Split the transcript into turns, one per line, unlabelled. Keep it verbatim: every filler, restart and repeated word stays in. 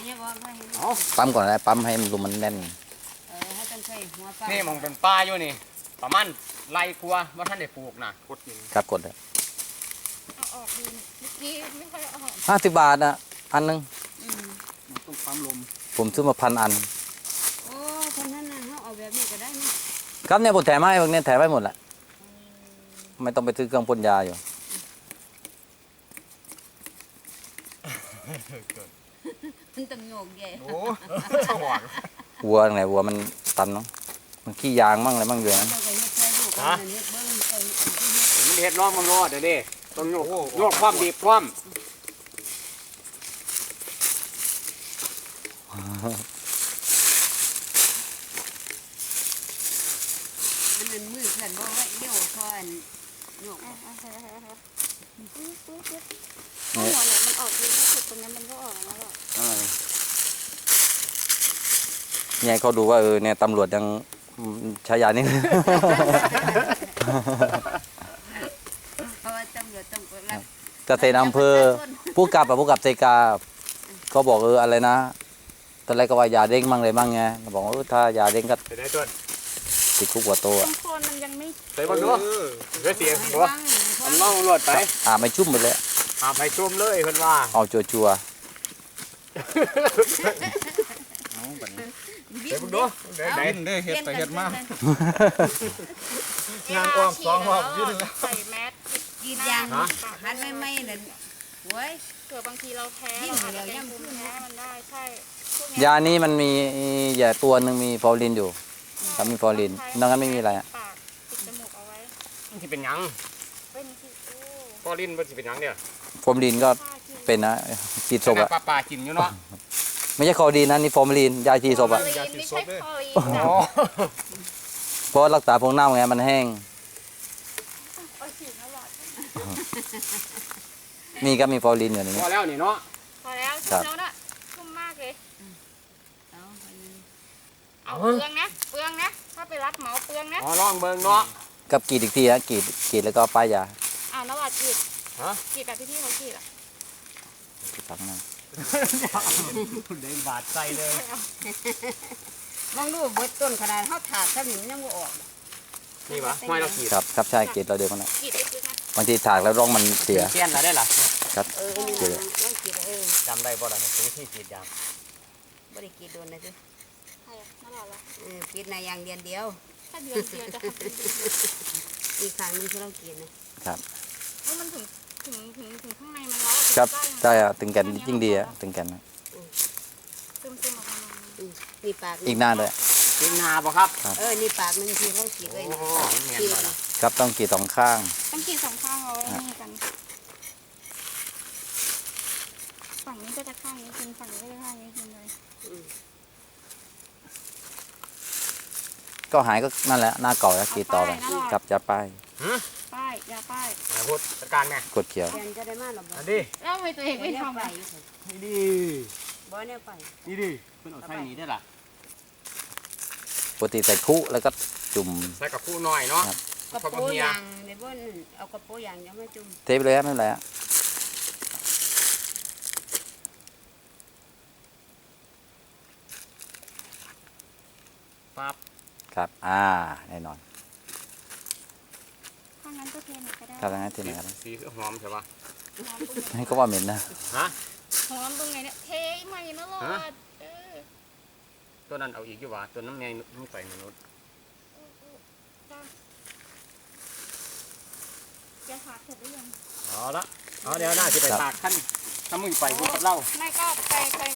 ปั๊มก่อนนะปั๊มให้ลมมันแน่น
นี่มองเป็นป้าอยู่นี่ประมาณไรกลัวว่าท่านได้ปลูกนะกดกิน
ครับกดเลย
เอาออกดีเมื่อกี้ไม่ค่อยออก
ห้าสิบบาทนะอันนึง
ต้องปั๊มลม
ผมซื้อมาพันอัน
โอ้คนนั้นน่ะเขาเอาแบบนี้ก็ได้นี่
ครับเนี่ยผมแถมให้พวกนี้แถมให้หมดแหละไม่ต้องไปซื้อเครื่องพ่นยาอยู่
มันต้องโยกใหญ่
โอ้สว่าง
วัวไหนวัวมันตันเนาะมันขี้ยางมั่งอะไรมั่งอยู่นะ
เจ้าก็เฮ็ดแค่ลูกกันเฮ็ดเบิ้งเอ้ย
มันเห็ดน้องมันรอดเดี๋ยวนี้ต้องโยกโยกความบีบความ
มันเป็นมือเพื่อนบ่ไว้เดี่ยวพอนโยก
หัวเนี่ยมันออกดีที่สุดตรงนี้มันก็ออกแล้วหรอ
เนี่ยเขาดูว่าเออเนี่ยตำรวจยังใช้ยานี่
เพราะว่าตำรวจต้องกดรับ
เกษตรอำเภอผู้กับอะผู้กับเซกาเขาบอกเอออะไรนะตอนแรกก็ว่ายาเด้งมั่งเลยมั่งไงบอกว่าเออถ้ายาเด้งก็
ไปได้ต้น
ติดคุกหัวโต
ต้
อะ
นโคนมันยังไม่
ไปบ้างด้วยเดี๋ยวเสียง
ให้
หัว
ฟังให้ฟั
มัน
ง
น้องรวดไป
อาไม่ชุ่มไปเลย
หาไปจุ่มเลยเพิ่นว่า
เอาจัวจัว
เดี๋ยวมึงดูเดี๋ยวไหน
ดิ้นได้เห็ดไปเห็ดมาก
งานกองสองรอบยื่นแล้วใส่แมส
กรีดยางหันไม่ไม่นั่นโว้ย
เผื่อบางทีเราแพ้เราอาจจะเป็นภูมิแพ้มันได้ใช่พวก
ยานี้มันมียาตัวหนึ่งมีฟอร์ลินอยู่ครับมีฟอร์ลินนอกนั้นไม่มีอะไรอะ
ปากปิดจมูกเอาไว้
มันสิเป็นหยัง
เป็นที่โอ้
พอลิ้นมันสิเป็นหยังเนี่ย
ฟอร์ลินก็
ผ้ากิน
เป็นนะฉีดศพอะ
ปลาปลากินอยู่เนาะ
ไม่ใช่คอดีนนะนี่ฟอร์มลินยาฉีดศพอะ
ไม่ใช่คอลีน
อ๋
นะ
อ
เพราะรักษาพวกเน่าไงมันแห้ง
เอาฉีดแล้วหรอ
มีก็มีฟอร์ลินอยู่ใน
พ
นี้
อแล้วนี่เนาะ
พอแล้ว
ครั
ชุ่
บ
มแล้วนะชุ่มมากเลย
เอาไปเลย
เอาเปลืองนะเปลืองนะถ้าไปรับเหมาเปลืองนะ
อ๋อลองเบิ่งเนาะ
กับกรีดอีกทีนะกรีดกรีดแล้วก็ป้ายยา
อ้าวนวัดกรีด
ฮะ
กรีดแบบที่พี่เขากรีดอ่ะ
ฝังนะ
เด้งบาดใจเลย
มองดูเบิดต้นขนาดเฮาถากซะนี่มันยังบ่ออก
นี่วะห้อยเราขีด
ครับครับใช่กรีดเราเดียวกันนะ
กรีดลึกๆนะ
บางทีถากแล้วร่องมันเสีย
เสี้ยนแล้วได้ล่ะ
ครับ
เออนี่มันยังกรีดเออ
จำได้บ่ล่ะเนี่ยวิธีขีดยาง
บ่ได้กรีดโดนนะจ้ะ
ใช่นั่นแหละละ
เออกรีดในอย่างเดียวเดียว
ถ้าเดือนเดียวจะหาย
อีกครั้งนึงที่เรากรีดนะครับ
เฮ้ยมันถึงถึงถึงถึงข้างในมันร้อน
ครับใช่อะถึงแก่นยิ่งดีอะถึงแก่นนะ
ซึมซึมออกมา
อืมนี่ปาก
อีกหน้าเลย
กินนาบ่ครับ
เออนี่ปากนึงที่เรากรีดไว้
โอ้
นะ
โหเนียนบ่ล่ะ
ครับต้องกรีดสองข้าง
ต้องกรีดสองข้างเอาไว้นี่กันฝั่งนี้ก็จะข้างนี้กินฝั่งนี้ก็จะข้างนี้กินเลย
ก็หายก็นั่นแหละหน้าเก่าแล้วกรีดต่อไปครับจะป้าย
ป้ายยาป้าย
ไหนพูดจัดการไง
กดเขียว
แทนจะได้มาหรอบ่
อันนี้
แล้วทำไมตัวเองไม่ทำ
ไป
อ่ะ
นี่ดิ
บ่เนี่ยไป
นี่ดิเพิ่นเอาใส่นี้ได้ล่ะ
ปกติใส่คุแล้วก็จุ่ม
ใส่กับคู่น้อยเนาะ
ครับ
กระโปรงยางในบ่นเอากระโปรงยางยังไม่จุ่ม
เทปเลยครับไม่เป็นไรฮะ
ปั๊บ
ครับอ่าแน่นอน
ข้างนั้นก็เทหนึ่งก็ได้
ครับงั้นทีไหนครับ
สีหอมใช่ปะ
หอมตรงไหน
ให้ก็ว่าเหม็นนะ
ฮะ
หอมตรงไหนเนี่ยเทใหม่นะรอดเออ
ตัวนั้นเอาอีกอยู่วะตัวน้ำแมงนุ่ไปมนุษย์
จะถากเสร็จหรือยัง
เอาละเอาเดี๋ยวหน้าจะไปตากขั้นถ้ามึงไปกูกับเรา
ไม่ก็ไปไป